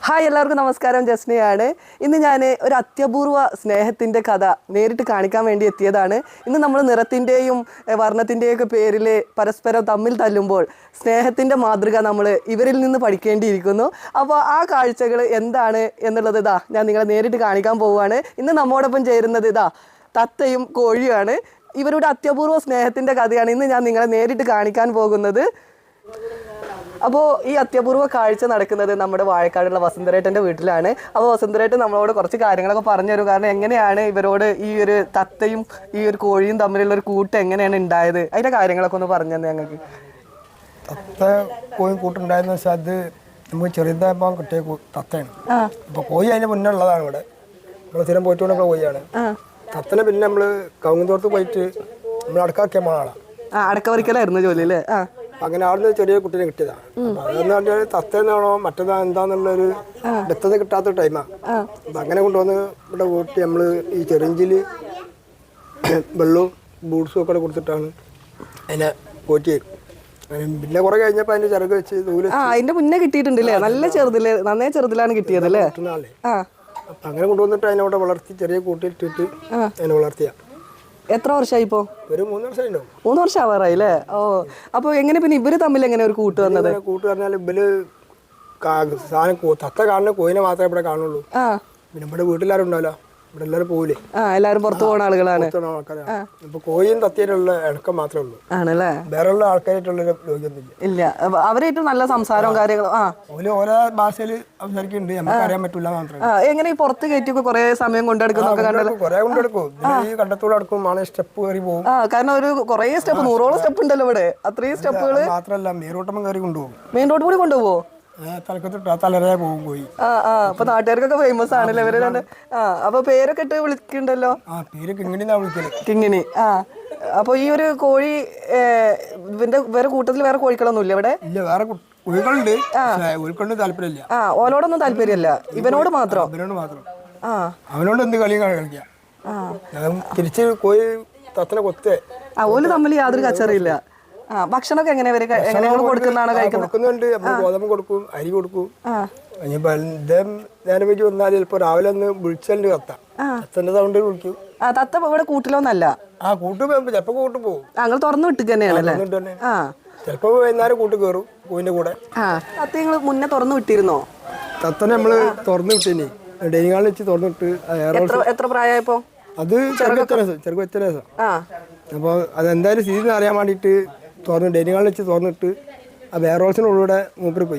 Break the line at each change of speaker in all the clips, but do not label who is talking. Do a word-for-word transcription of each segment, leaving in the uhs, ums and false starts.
Hi എല്ലാവർക്കും നമസ്കാരം. ജസ്നയാണ്. ഇന്ന് ഞാൻ ഒരു അത്യപൂർവ സ്നേഹത്തിൻ്റെ കഥ നേരിട്ട് കാണിക്കാൻ വേണ്ടി എത്തിയതാണ്. ഇന്ന് നമ്മൾ നിറത്തിൻ്റെയും വർണ്ണത്തിൻ്റെയും ഒക്കെ പേരിൽ പരസ്പരം തമ്മിൽ തല്ലുമ്പോൾ സ്നേഹത്തിൻ്റെ മാതൃക നമ്മൾ ഇവരിൽ നിന്ന് പഠിക്കേണ്ടിയിരിക്കുന്നു. അപ്പോൾ ആ കാഴ്ചകൾ എന്താണ് എന്നുള്ളത് ഇതാ ഞാൻ നിങ്ങളെ നേരിട്ട് കാണിക്കാൻ പോവുകയാണ്. ഇന്ന് നമ്മോടൊപ്പം ചേരുന്നത് ഇതാ തത്തയും കോഴിയാണ്. ഇവരുടെ അത്യപൂർവ സ്നേഹത്തിൻ്റെ കഥയാണ് ഇന്ന് ഞാൻ നിങ്ങളെ നേരിട്ട് കാണിക്കാൻ പോകുന്നത്. അപ്പോൾ ഈ അത്യപൂർവ കാഴ്ച നടക്കുന്നത് നമ്മുടെ വാഴക്കാടുള്ള വസുന്ധരേട്ടൻ്റെ വീട്ടിലാണ്. അപ്പോൾ വസുന്ധരേട്ടൻ നമ്മളോട് കുറച്ച് കാര്യങ്ങളൊക്കെ പറഞ്ഞു തരും. കാരണം എങ്ങനെയാണ് ഇവരോട് ഈ ഒരു തത്തയും ഈ ഒരു കോഴിയും തമ്മിലുള്ള ഒരു കൂട്ട് എങ്ങനെയാണ് ഉണ്ടായത്, അതിൻ്റെ കാര്യങ്ങളൊക്കെ ഒന്ന് പറഞ്ഞു തന്നെ ഞങ്ങൾക്ക്.
തത്ത കോഴി കൂട്ടുണ്ടായെന്ന് വെച്ചാൽ അത് നമുക്ക് ചെറുതായപ്പോൾ കിട്ടിയ തത്തയാണ്. അപ്പോൾ കോഴി അതിന് മുന്നേ ഉള്ളതാണ് ഇവിടെ. നമ്മൾ സ്ഥിരം പോയിട്ടുള്ള കോഴിയാണ്. തത്തനെ പിന്നെ നമ്മൾ കവുങ്ങുന്തോർത്ത് പോയിട്ട് നമ്മൾ അടക്കാക്കിയ ആളാണ്.
ആ അടക്ക പറിക്കലായിരുന്നു ജോലി അല്ലേ? ആ
അങ്ങനെ അവിടുന്ന് ചെറിയ കുട്ടീനെ കിട്ടിയതാണ്. അതെന്ന് പറഞ്ഞാൽ തത്തേന്നാണോ മറ്റേതാ എന്താന്നുള്ളൊരു വ്യക്തത കിട്ടാത്ത ടൈമാണ്. അപ്പം അങ്ങനെ കൊണ്ടുവന്ന് ഇവിടെ കൂട്ടി നമ്മൾ ഈ ചെറിഞ്ചിൽ വെള്ളവും ബൂട്ട്സും ഒക്കെ കൊടുത്തിട്ടാണ് അതിനെ പോറ്റി. പിന്നെ കുറെ കഴിഞ്ഞപ്പോൾ അതിന്റെ ചിറക് വെച്ച് ദൂരെ
അതിന്റെ മുന്നേ കിട്ടിയിട്ടുണ്ടല്ലേ? നല്ല ചെറുതില് നന്നേ ചെറുതിലാണ് കിട്ടിയത് അല്ലേ?
അപ്പം അങ്ങനെ കൊണ്ടുവന്നിട്ട് അതിനവിടെ വളർത്തി ചെറിയ കൂട്ടിയിട്ടിട്ട് അതിനെ വളർത്തിയ.
എത്ര വർഷമായി ഇപ്പോ?
ഒരു മൂന്ന് വർഷമായില്ലോ.
മൂന്ന് വർഷം ആവാറായി അല്ലേ? ഓ, അപ്പൊ എങ്ങനെ പിന്നെ ഇവര് തമ്മിൽ എങ്ങനെ ഒരു കൂട്ട് വന്നത്?
കൂട്ട് പറഞ്ഞാൽ ഇവര് സാധനം തത്ത കാണുന്ന കോയിനെ മാത്രമേ ഇവിടെ കാണുള്ളൂ. പിന്നെ ഇവിടെ വീട്ടിലാരും ഉണ്ടാവില്ല, ഇവിടെ എല്ലാവരും പോവില്ലേ.
ആ എല്ലാവരും പുറത്തു പോകുന്ന ആളുകളാണ്.
അപ്പൊ കോയും തത്തിയായിട്ടുള്ള ഇണക്കം മാത്രമേ ഉള്ളൂ. ആണല്ലേ? വേറെ ഉള്ള ആൾക്കാരായിട്ടുള്ള യോഗ്യൊന്നുമില്ല.
ഇല്ല, അവരായിട്ടും നല്ല സംസാരവും കാര്യങ്ങളും. ആ
ഓല് ഓരോ ഭാഷയിൽ സംസാരിക്കുന്നുണ്ട്, നമുക്ക് അറിയാൻ പറ്റില്ല മാത്രമേ.
എങ്ങനെ ഈ പുറത്ത് കയറ്റിയൊക്കെ കുറെ സമയം കൊണ്ടെടുക്കുന്നൊക്കെ കണ്ടല്ലോ?
കുറെ കൊണ്ടെടുക്കും. ഈ കണ്ടത്തൂടെ അടുക്കും ആണ് സ്റ്റെപ്പ് കയറി പോകും.
ആ കാരണം ഒരു കുറെ സ്റ്റെപ്പ്, നൂറോളം സ്റ്റെപ്പ് ഉണ്ടല്ലോ ഇവിടെ. അത്രയും സ്റ്റെപ്പുകൾ
മാത്രമല്ല മെയിൻ റോട്ടം കയറി കൊണ്ടുപോകും.
മെയിൻ റോഡ് കൂടി കൊണ്ടുപോകോ?
തലരെ പോകും പോയി.
ആ ആ അപ്പൊ നാട്ടുകാർക്കൊക്കെ ഫേമസ് ആണല്ലേ ഇവര് രണ്ട്? ആ അപ്പൊ പേരൊക്കെ ഇട്ട് വിളിക്കണ്ടല്ലോ?
ആ പേര് കിങ്ങിണിന്നാ വിളിക്കല്.
കിങ്ങിണി. ആ അപ്പൊ ഈ ഒരു കോഴി ഇവന്റെ വേറെ കൂട്ടത്തിൽ വേറെ കോഴികളൊന്നും ഇല്ല ഇവിടെ?
ഇല്ല, വേറെ കോഴികളുണ്ട്, കോഴിക്കൊണ്ട് താല്പര്യമില്ല.
ആ ഓലോടൊന്നും താല്പര്യമില്ല, ഇവനോട് മാത്രം.
ഇവനോട് മാത്രം.
ആ
അവനോട് എന്ത് കളിയും കളിക്കാം. തിരിച്ച് കോഴി തത്തനെ കൊത്തേ. ആ
ഓല് തമ്മിൽ യാതൊരു കച്ചറിയില്ല. ആ ഭക്ഷണമൊക്കെ എങ്ങനെ കൊടുക്കുന്നതാണ്
കൊടുക്കുന്നുണ്ട്. നമ്മൾ ഗോതമ്പ് കൊടുക്കും, അരി കൊടുക്കും. ഇനിയിപ്പോ നേരം വെച്ച് വന്നാൽ ചിലപ്പോ രാവിലെ ഒന്ന് വിളിച്ചതിന്റെ കത്ത തത്തന്റെ സൗണ്ട് വിളിക്കും.
ആ തത്ത ഇവിടെ കൂട്ടിലൊന്നല്ല.
ആ കൂട്ട് ചിലപ്പോ കൂട്ട് പോകും.
ഞങ്ങൾ തുറന്നു വിട്ടു തന്നെയാണല്ലേ?
ചിലപ്പോ വൈകുന്നേരം കൂട്ട് കയറും കോഴിന്റെ കൂടെ.
തത്ത നിങ്ങൾ മുന്നേ തുറന്നു വിട്ടിരുന്നോ?
തത്തനെ നമ്മള് തുറന്നു വിട്ടിനി ഡെയിനിങ് ഹാളിൽ വെച്ച് തുറന്നിട്ട്.
എത്ര പ്രായമായപ്പോ?
അത് ചെറുക്ക് വ്യത്യാസം ചെറുക്ക് വ്യത്യാസം അപ്പൊ അതെന്തായാലും സ്ഥിതി അറിയാൻ വേണ്ടിട്ട് തുറന്ന് ഡെയിനിങ് ഹാളിൽ വെച്ച് തുറന്നിട്ട് ആ വെയർഹൗസിനുള്ളിലൂടെ മൂപ്പര് പോയി.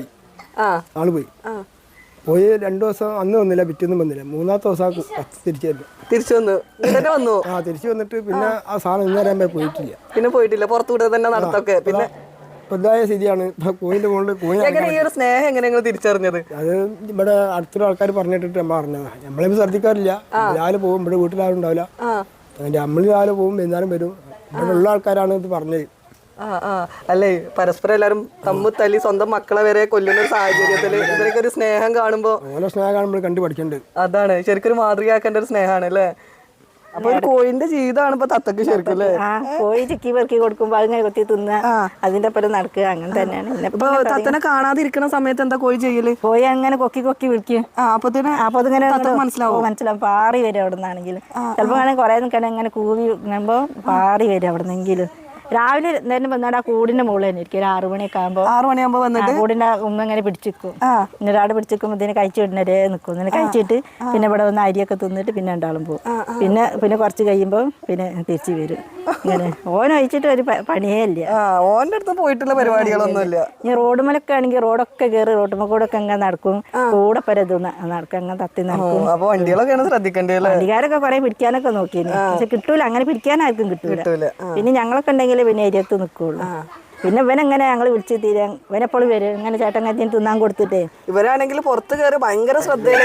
ആള് പോയി പോയി രണ്ടു ദിവസം അന്ന് വന്നില്ല, പിറ്റൊന്നും വന്നില്ല. മൂന്നാമത്തെ ദിവസം തിരിച്ചു വന്നു
തിരിച്ചു വന്നു വന്നു
ആ തിരിച്ചു വന്നിട്ട് പിന്നെ ആ സാധനം ഇന്ന് വരാൻ പോയിട്ടില്ല.
പിന്നെ പോയിട്ടില്ല, പുറത്തുകൂടെ തന്നെ നടത്തൊക്കെ. പിന്നെ
ഇതായ സ്ഥിതിയാണ് ഇപ്പൊ കോഴിന്റെ മുകളിൽ കോഴി.
സ്നേഹം എങ്ങനെ തിരിച്ചറിഞ്ഞത്?
അത് ഇവിടെ അടുത്തുള്ള ആൾക്കാർ പറഞ്ഞിട്ട് നമ്മൾ പറഞ്ഞതാ. നമ്മളിപ്പോ ശ്രദ്ധിക്കാറില്ല. രാവിലെ പോകും, ഇവിടെ വീട്ടിലാരും ഉണ്ടാവില്ല. നമ്മൾ രാവിലെ പോകും, എന്നാലും വരും. ഇവിടെ ഉള്ള ആൾക്കാരാണ് ഇത് പറഞ്ഞത്.
ആ ആ അല്ലേ, പരസ്പരം എല്ലാരും തമ്മിൽ തല്ലി സ്വന്തം മക്കളെ വരെ കൊല്ലുന്ന ഒരു സാഹചര്യത്തില് ഇവരൊക്കെ ഒരു സ്നേഹം കാണുമ്പോ
ഓരോ സ്നേഹം കാണുമ്പോൾ കണ്ടു പഠിക്കണ്ട്.
അതാണ് ശരിക്കും ഒരു മാതൃകയാക്കേണ്ട ഒരു സ്നേഹമാണ് അല്ലേ? അപ്പൊ ഒരു കോഴിന്റെ ജീവിതമാണ് ഇപ്പൊ തത്തക്ക് ശരിക്കും അല്ലേ?
കോഴി ചിക്കി പെറുക്കി കൊടുക്കുമ്പോ അതിങ്ങനെ കൊത്തി തിന്ന അതിന്റെ ഒപ്പം നടക്കുക, അങ്ങനെ തന്നെയാണ്.
ഇപ്പൊ തത്തനെ കാണാതിരിക്കുന്ന സമയത്ത് എന്താ കോഴി ചെയ്യല്?
കോഴി അങ്ങനെ കൊക്കി കൊക്കി വിളിക്കും.
അപ്പൊ
അപ്പൊ അതിങ്ങനെ മനസ്സിലാവും മനസ്സിലാവും പാറി വരും അവിടെ നിന്നാണെങ്കിലും. ചിലപ്പോ ആണെങ്കിൽ കുറെ നിൽക്കണേ ഇങ്ങനെ കൂവി ഇങ്ങുമ്പോ പാറി വരും അവിടെ നിന്നെങ്കിലും. രാവിലെ എന്തായാലും വന്നാട് ആ കൂടിന്റെ മുകളിൽ തന്നെ ഇരിക്കും. ഒരു ആറു മണിയൊക്കെ ആകുമ്പോ
ആറു മണിയാകുമ്പോ വന്നിട്ട്
കൂടിന്റെ ഉമ്മ ഇങ്ങനെ പിടിച്ചിരിക്കും. പിന്നെ ഒരാട് പിടിച്ചിരിക്കുമ്പോ ഇതിനെ കഴിച്ചു വിടുന്നവരെ നിൽക്കും. ഇങ്ങനെ കഴിച്ചിട്ട് പിന്നെ ഇവിടെ വന്ന് അരിയൊക്കെ തിന്നിട്ട് പിന്നെ രണ്ടാളും പോകും. പിന്നെ പിന്നെ കുറച്ച് കഴിയുമ്പോ പിന്നെ തിരിച്ചു വരും. ഇങ്ങനെ ഓൻ അയച്ചിട്ട് ഒരു പണിയേ ഇല്ല.
ഓന്റെ അടുത്ത് പോയിട്ടുള്ള പരിപാടികളൊന്നും ഇല്ല.
ഈ റോഡുമലൊക്കെ ആണെങ്കിൽ റോഡൊക്കെ കയറി റോഡുമ്മ കൂടെ ഒക്കെ അങ്ങനെ നടക്കും. കൂടെ പരത് നടക്കും, അങ്ങനെ തത്തി നടക്കും.
അപ്പൊ വണ്ടികളൊക്കെയാണ് ശ്രദ്ധിക്കേണ്ടത്.
വണ്ടിക്കാരൊക്കെ കുറെ പിടിക്കാനൊക്കെ നോക്കിയിരുന്നു, പക്ഷെ കിട്ടൂല. അങ്ങനെ പിടിക്കാനാർക്കും കിട്ടൂല. പിന്നെ ഞങ്ങളൊക്കെ ഉണ്ടെങ്കിൽ പിന്നെ ഏരിയത്ത് നിൽക്കുള്ളൂ. പിന്നെ ഇവനെങ്ങനെ ഞങ്ങൾ വിളിച്ച് തീരെ ഇവനെപ്പോഴും വരും. ഇങ്ങനെ ചേട്ടങ്ങത്തിന് തിന്നാൻ കൊടുത്തിട്ടേ.
ഇവരാണെങ്കിൽ പുറത്ത് കയറി ഭയങ്കര ശ്രദ്ധയില്ലേ,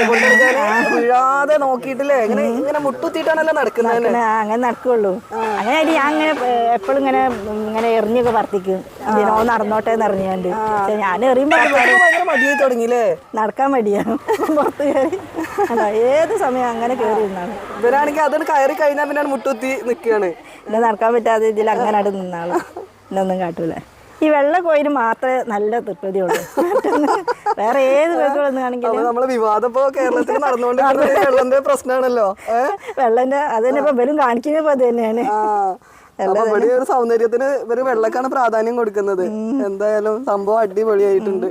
വീഴാതെ നോക്കിയിട്ടില്ലേ, ഇങ്ങനെ ഇങ്ങനെ മുട്ടുത്തിട്ടാണല്ലോ നടക്കുന്നത്.
അങ്ങനെ നടക്കുള്ളൂ. അങ്ങനെ ആയിട്ട് ഞാൻ ഇങ്ങനെ എപ്പോഴും ഇങ്ങനെ ഇങ്ങനെ എറിഞ്ഞൊക്കെ വർത്തിക്കും. ഇതിനോ നടന്നോട്ടെ എന്ന് എറിഞ്ഞാണ്ട്. പക്ഷെ ഞാൻ എറിയുമ്പോ
ഭയങ്കര മടിയായി തുടങ്ങിയില്ലേ?
നടക്കാൻ മടിയാണ് പുറത്ത് കയറി. അതാ ഏത് സമയം അങ്ങനെ കയറി നിന്നാണ്.
ഇവരാണെങ്കിൽ അതൊന്ന് കയറി കഴിഞ്ഞാൽ പിന്നെ മുട്ടുത്തി നിൽക്കുകയാണ്.
പിന്നെ നടക്കാൻ പറ്റാതെ ഇതിൽ അങ്ങനെ അവിടെ നിന്നാള്. ഒന്നും കാട്ടൂല. ഈ വെള്ള കോയിന് മാത്രമേ നല്ല തൃപ്തിയുള്ളൂ. വേറെ ഏത് കോഴികളൊന്നും
അപ്പൊ
ആണെങ്കിലും
നമ്മള് വിവാദം ഇപ്പൊ കേരളത്തിൽ നടന്നുകൊണ്ടിരിക്കുന്നത് വെള്ളത്തിന്റെ പ്രശ്നമാണല്ലോ.
വെള്ളന്റെ അത് തന്നെ ഇപ്പൊ ഇവരും കാണിക്കുന്നപ്പോ അത് തന്നെയാണ്.
അപ്പൊ ഇവിടെ ഒരു സൗന്ദര്യത്തിന് ഇവര് വെള്ളക്കാണ് പ്രാധാന്യം കൊടുക്കുന്നത്. എന്തായാലും സംഭവം അടിപൊളിയായിട്ടുണ്ട്.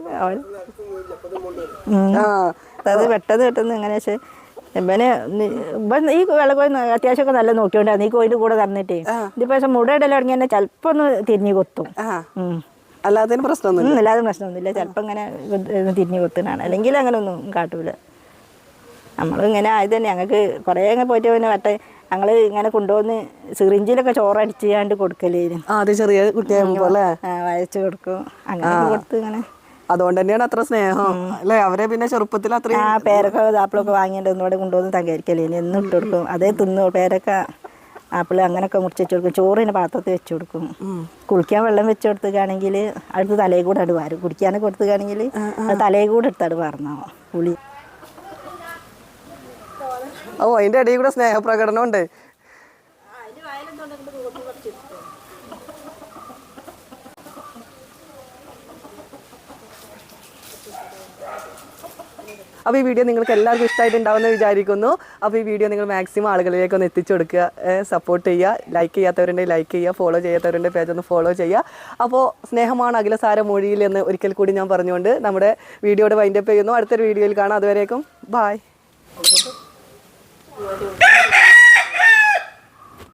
ആ
അത് പെട്ടെന്ന് പെട്ടെന്ന് എങ്ങനെ വെച്ചാൽ ഇവന് ഇവൻ ഈ വെള്ളക്കോയി അത്യാവശ്യമൊക്കെ നല്ല നോക്കിയോണ്ടാണ് ഈ കോയിന്റെ കൂടെ തന്നിട്ടേ. ഇതിപ്പോ മുട ഇടൽ തുടങ്ങി തന്നെ ചിലപ്പോ ഒന്ന് തിരിഞ്ഞു കൊത്തും.
അല്ലാതെ പ്രശ്നമൊന്നും
അല്ലാതെ പ്രശ്നമൊന്നുമില്ല. ചിലപ്പോ ഇങ്ങനെ തിരിഞ്ഞു കൊത്തുന്നതാണ്. അല്ലെങ്കിൽ അങ്ങനെ ഒന്നും കാട്ടൂല. നമ്മളിങ്ങനെ ആയത് തന്നെ ഞങ്ങൾക്ക് കുറേ അങ്ങനെ പോയിട്ട് പിന്നെ വട്ടെ ഞങ്ങൾ ഇങ്ങനെ കൊണ്ടുവന്ന് സിറിഞ്ചിലൊക്കെ ചോറടിച്ചാണ്ട് കൊടുക്കലേന്.
ആദ്യം ചെറിയ കുട്ടിയാകുമ്പോ അല്ലേ
വയച്ചു കൊടുക്കും. അങ്ങനെ കൊടുത്ത് ഇങ്ങനെ
അതുകൊണ്ട് തന്നെയാണ് അത്ര സ്നേഹം അല്ലെ. അവരെ പിന്നെ ചെറുപ്പത്തിൽ അത്രയും
ആ പേരൊക്കെ ആപ്പിളൊക്കെ വാങ്ങിയിട്ട് ഒന്നുകൂടെ കൊണ്ടുവന്ന് തകരിക്കലേന് എന്നും ഇട്ട് കൊടുക്കും. അതേ തിന്നു പേരൊക്കെ ആപ്പിൾ അങ്ങനെയൊക്കെ മുറിച്ച് വെച്ച് കൊടുക്കും. ചോറിന് പാത്രത്തിൽ വെച്ച് കൊടുക്കും. കുളിക്കാൻ വെള്ളം വെച്ച് കൊടുത്തുകയാണെങ്കിൽ അടുത്ത് തലയിൽ കൂടെ അടു വാരും. കുടിക്കാനൊക്കെ കൊടുത്തുകയാണെങ്കിൽ അത് തലയിൽ കൂടെ എടുത്തട് പറഞ്ഞോ പുളി.
ഓ അതിന്റെ ഇടയിൽ കൂടെ സ്നേഹപ്രകടനം ഉണ്ട്. അപ്പോൾ ഈ വീഡിയോ നിങ്ങൾക്ക് എല്ലാവർക്കും ഇഷ്ടമായിട്ടുണ്ടാവുമെന്ന് വിചാരിക്കുന്നു. അപ്പോൾ ഈ വീഡിയോ നിങ്ങൾ മാക്സിമം ആളുകളിലേക്ക് ഒന്ന് എത്തിച്ചു കൊടുക്കുക, സപ്പോർട്ട് ചെയ്യുക. ലൈക്ക് ചെയ്യാത്തവരുണ്ടെങ്കിൽ ലൈക്ക് ചെയ്യുക, ഫോളോ ചെയ്യാത്തവരുണ്ടെങ്കിൽ പേജ് ഒന്ന് ഫോളോ ചെയ്യുക. അപ്പോൾ സ്നേഹമാണ് അഖിലസാര മൊഴിയിൽ എന്ന് ഒരിക്കൽ കൂടി ഞാൻ പറഞ്ഞുകൊണ്ട് നമ്മുടെ വീഡിയോയുടെ വൈൻഡപ്പ് ചെയ്യുന്നു. അടുത്തൊരു വീഡിയോയിൽ കാണാം. അതുവരേക്കും ബായ്.